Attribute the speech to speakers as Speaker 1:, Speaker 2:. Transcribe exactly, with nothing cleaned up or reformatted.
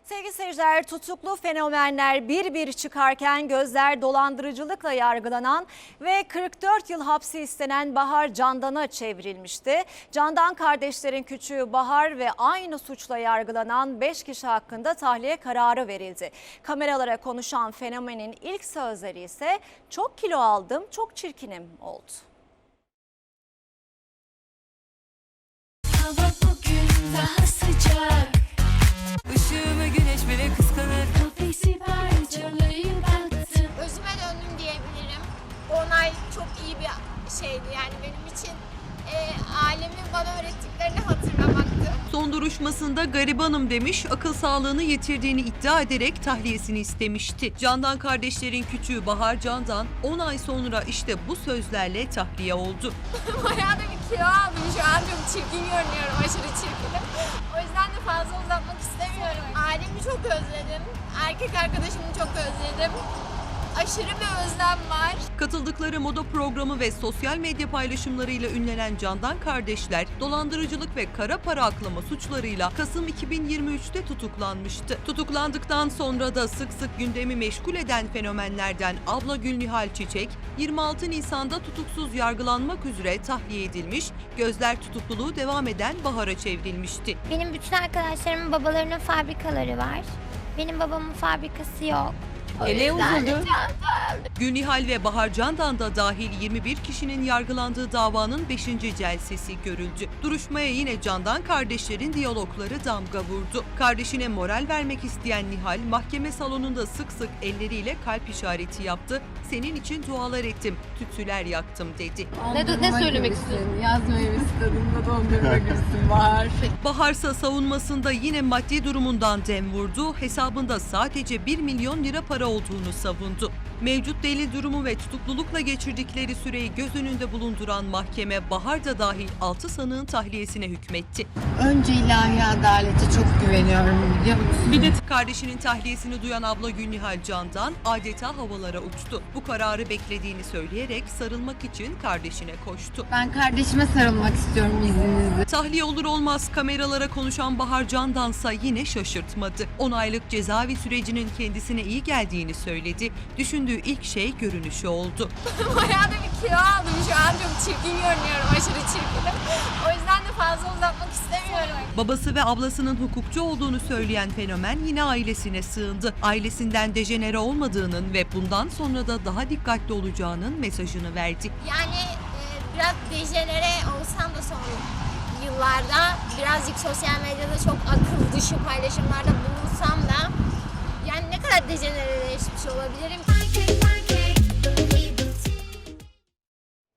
Speaker 1: Sevgili seyirciler, tutuklu fenomenler bir bir çıkarken gözler dolandırıcılıkla yargılanan ve kırk dört yıl hapsi istenen Bahar Candan'a çevrilmişti. Candan kardeşlerin küçüğü Bahar ve aynı suçla yargılanan beş kişi hakkında tahliye kararı verildi. Kameralara konuşan fenomenin ilk sözleri ise "Çok kilo aldım, çok çirkinim" oldu.
Speaker 2: Hava bugün daha sıcak,
Speaker 3: Işığımı güneş bile kıskanır.
Speaker 2: kafesi parçalayıp attım.
Speaker 4: Özüme döndüm diyebilirim. Onay çok iyi bir şeydi yani benim için. E, ailemin bana öğrettiklerini hatırlamaktı.
Speaker 3: Son duruşmasında garibanım demiş, akıl sağlığını yitirdiğini iddia ederek tahliyesini istemişti. Candan kardeşlerin küçüğü Bahar Candan on ay sonra işte bu sözlerle tahliye oldu.
Speaker 4: Bayağı da bir kilo aldım şu an, çok çirkin görünüyorum, aşırı çirkinim. O yüzden de fazla uzatmak istemiyorum. Ailemi çok özledim, erkek arkadaşımı çok özledim. Aşırı bir özlem var.
Speaker 3: Katıldıkları moda programı ve sosyal medya paylaşımlarıyla ünlenen Candan kardeşler, dolandırıcılık ve kara para aklama suçlarıyla Kasım iki bin yirmi üç'te tutuklanmıştı. Tutuklandıktan sonra da sık sık gündemi meşgul eden fenomenlerden abla Gülnihal Çiçek, yirmi altı Nisan'da tutuksuz yargılanmak üzere tahliye edilmiş, gözler tutukluluğu devam eden Bahar'a çevrilmişti.
Speaker 5: Benim bütün arkadaşlarımın babalarının fabrikaları var. Benim babamın fabrikası yok.
Speaker 3: Ele uzundu. Gülnihal ve Bahar Candan da dahil yirmi bir kişinin yargılandığı davanın beşinci celsesi görüldü. Duruşmaya yine Candan kardeşlerin diyalogları damga vurdu. Kardeşine moral vermek isteyen Nihal, mahkeme salonunda sık sık elleriyle kalp işareti yaptı. "Senin için dualar ettim, tütsüler yaktım" dedi.
Speaker 6: Ne, ne söylemek istiyorsun? Yazmayı istedim de dondurma gülsün var.
Speaker 3: Baharsa savunmasında yine maddi durumundan dem vurdu. Hesabında sadece bir milyon lira para olduğunu savundu. Mevcut delil durumu ve tutuklulukla geçirdikleri süreyi göz önünde bulunduran mahkeme Bahar da dahil altı sanığın tahliyesine hükmetti.
Speaker 6: Önce ilahi adalete çok güveniyorum biliyor musun?
Speaker 3: Bir de kardeşinin tahliyesini duyan abla Gülnihal Candan adeta havalara uçtu. Bu kararı beklediğini söyleyerek sarılmak için kardeşine koştu.
Speaker 6: Ben kardeşime sarılmak istiyorum izninizle.
Speaker 3: Tahliye olur olmaz kameralara konuşan Bahar Candan'sa yine şaşırtmadı. on aylık cezaevi sürecinin kendisine iyi geldiğini söyledi. Düşündüğü ilk şey görünüşü oldu.
Speaker 4: Bayağı da bir kilo aldım şu an, çok çirkin görünüyorum, aşırı çirkinim. O yüzden de fazla uzatmak istemiyorum.
Speaker 3: Babası ve ablasının hukukçu olduğunu söyleyen fenomen yine ailesine sığındı. Ailesinden dejenere olmadığının ve bundan sonra da daha dikkatli olacağının mesajını verdi.
Speaker 4: Yani e, biraz dejenere olsam da son yıllarda birazcık sosyal medyada çok akıl dışı paylaşımlarda bulunsam da yani ne kadar dejenereleşmiş olabilirim ki?